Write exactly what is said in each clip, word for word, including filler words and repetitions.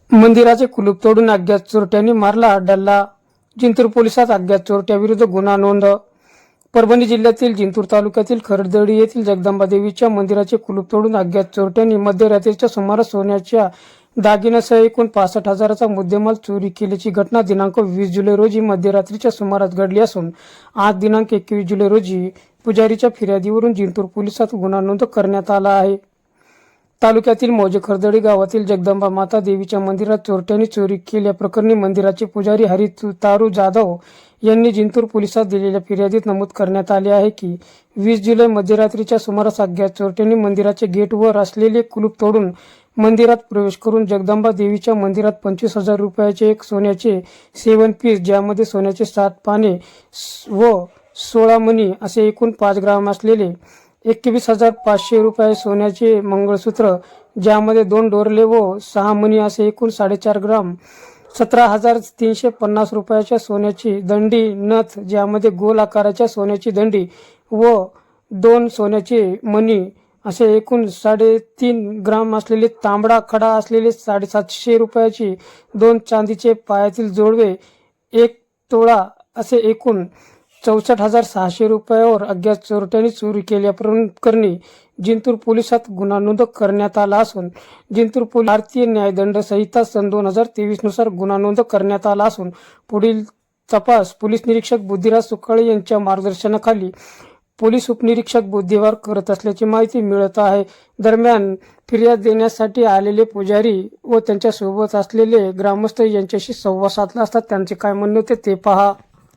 मंदिराचे कुलूप तोडून अज्ञात चोरट्यांनी मारला डल्ला. जिंतूर पोलिसात अज्ञात चोरट्याविरुद्ध गुन्हा नोंद. परभणी जिल्ह्यातील जिंतूर तालुक्यातील खरदडी येथील जगदंबा देवीच्या मंदिराचे कुलूप तोडून अज्ञात चोरट्यांनी मध्यरात्रीच्या सुमारास सोन्याच्या दागिन्यासह एकूण पासष्ट हजाराचा मुद्देमाल चोरी केल्याची घटना दिनांक वीस जुलै रोजी मध्यरात्रीच्या सुमारास घडली असून आज दिनांक एकवीस जुलै रोजी पुजारीच्या फिर्यादीवरून जिंतूर पोलिसात गुन्हा नोंद करण्यात आला आहे. तालुक्यातील मौजे खरदडी गावातील जगदंबा माता देवीच्या मंदिरात चोरट्यांनी चोरी केल्याप्रकरणी मंदिराचे पुजारी हरी तारू जाधव यांनी जिंतूर पोलिसात दिलेल्या फिर्यादीत नमूद करण्यात आले आहे की वीस जुलै मध्यरात्रीच्या सुमारास अज्ञात चोरट्यांनी मंदिराचे गेटवर असलेले कुलूप तोडून मंदिरात प्रवेश करून जगदंबा देवीच्या मंदिरात पंचवीस हजार रुपयाचे एक सोन्याचे सेवन पीस ज्यामध्ये सोन्याचे सात पाने व सोळा मणी असे एकूण पाच ग्राम असलेले एकवीस हजार पाचशे रुपये सोन्याचे मंगळसूत्र ज्यामध्ये दोन डोरले व सहा मणी असे एकूण साडेचार ग्राम सतरा हजार तीनशे पन्नास रुपयाच्या सोन्याची दंडी नथ ज्यामध्ये गोल आकाराच्या सोन्याची दंडी व दोन सोन्याचे मणी असे एकूण साडेतीन ग्राम असलेले तांबडा खडा असलेले साडेसातशे रुपयाची दोन चांदीचे पायातील जोडवे एक तोळा असे एकूण चौसष्ट हजार सहाशे रुपयावर अज्ञात चोरट्यांनी चोरी केल्याप्रकरणी जिंतूर पोलिसात गुन्हा नोंद करण्यात आला असून जिंतूर पोलीस भारतीय न्यायदंड संहिता सन दोन हजार तेवीस नुसार गुन्हा नोंद करण्यात आला असून पुढील तपास पोलीस निरीक्षक बुद्धिराज सुकाळे यांच्या मार्गदर्शनाखाली पोलीस उपनिरीक्षक बुधवार करत असल्याची माहिती मिळत आहे. दरम्यान फिर्याद देण्यासाठी आलेले पुजारी व त्यांच्या सोबत असलेले ग्रामस्थ यांच्याशी संवाद साधला असता त्यांचे काय म्हणणे होते ते पहा.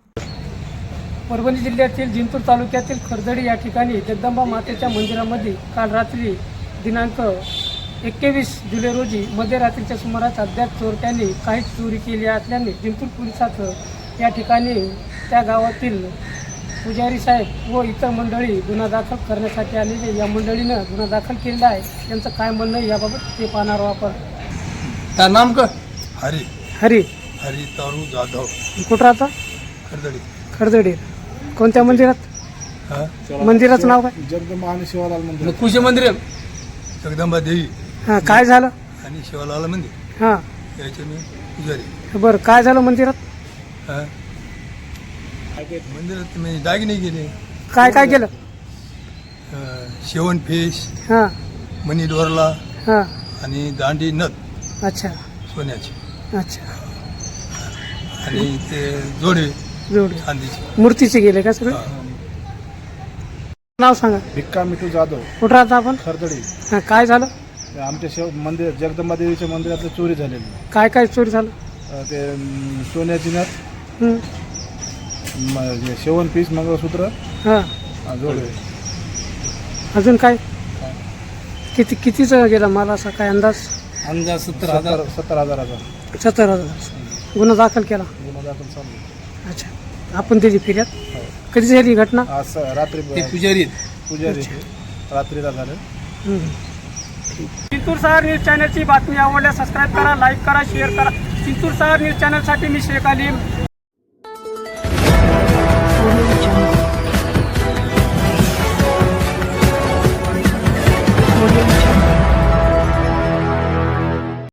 परभणी जिल्ह्यातील जिंतूर तालुक्यातील खरदडी या ठिकाणी जगदंबा मातेच्या मंदिरामध्ये काल रात्री दिनांक एकवीस जुलै रोजी मध्यरात्रीच्या सुमारास अज्ञात चोरट्यांनी काही चोरी केली असल्याने जिंतूर पोलिसात या ठिकाणी त्या गावातील पुजारी साहेब व इतर मंडळी गुन्हा दाखल करण्यासाठी आलेले या मंडळीनं गुन्हा दाखल केलेला आहे. त्यांचं काय म्हणणं आहे याबाबत ते पाहणार आहोत आपण. क्या नाम का? हरी हरी हरी तारू जाधव. कुठं राहता? खरदडी. खरदडी. कोणत्या मंदिरात? हा? मंदिराचं नाव काय? जगदंबा आणि शिवालाल मंदिर. कुशे मंदिर आहे. जगदंबा देवी हां काय झालं? आणि शिवालाल मंदिर हां याचे मी पुजारी. बरं काय झालं मंदिरात? हा? मंदिरात मी दागिने गेले. काय काय केलं? शेवण फेस हां मनी डोरला हां आणि दांडी नथ अच्छा सोन्याची अच्छा आणि ते जोडे जोड चांदीचे. मूर्तीचे गेले का सगळे? नाव सांगा. भिक्का मिठू जाधव. कुठं राहता आपण? खरदडी. हां काय झालं? आमच्या शिव मंदिर जगदंबा देवीच्या मंदिरातली चोरी झालेली. काय काय चोरी झालं? अं, ते अं, सोन्याची नथ, हं. म- हे शेवण पीस, मंगळसूत्र, हां अं, जोडवे. अजून काय? किती कितीचा गेला मला असा काय अंदाज? अंदाज सत्तर हजार. सत्तर सत्तर हजाराचा सत्तर हजार गुन्हा दाखल केला. गुन्हा दाखल चालू. अच्छा आपण दिली फिर्याद. कधी झाली घटना? आज स- रात्री ते पुजारी पुजारी रात्रीला झालं. चिंतूर शहर न्यूज चॅनलची बातमी आवडल्यास सबस्क्राईब करा, लाईक करा, शेअर करा. चिंतूर शहर न्यूज चॅनलसाठी मी शेख अलीम.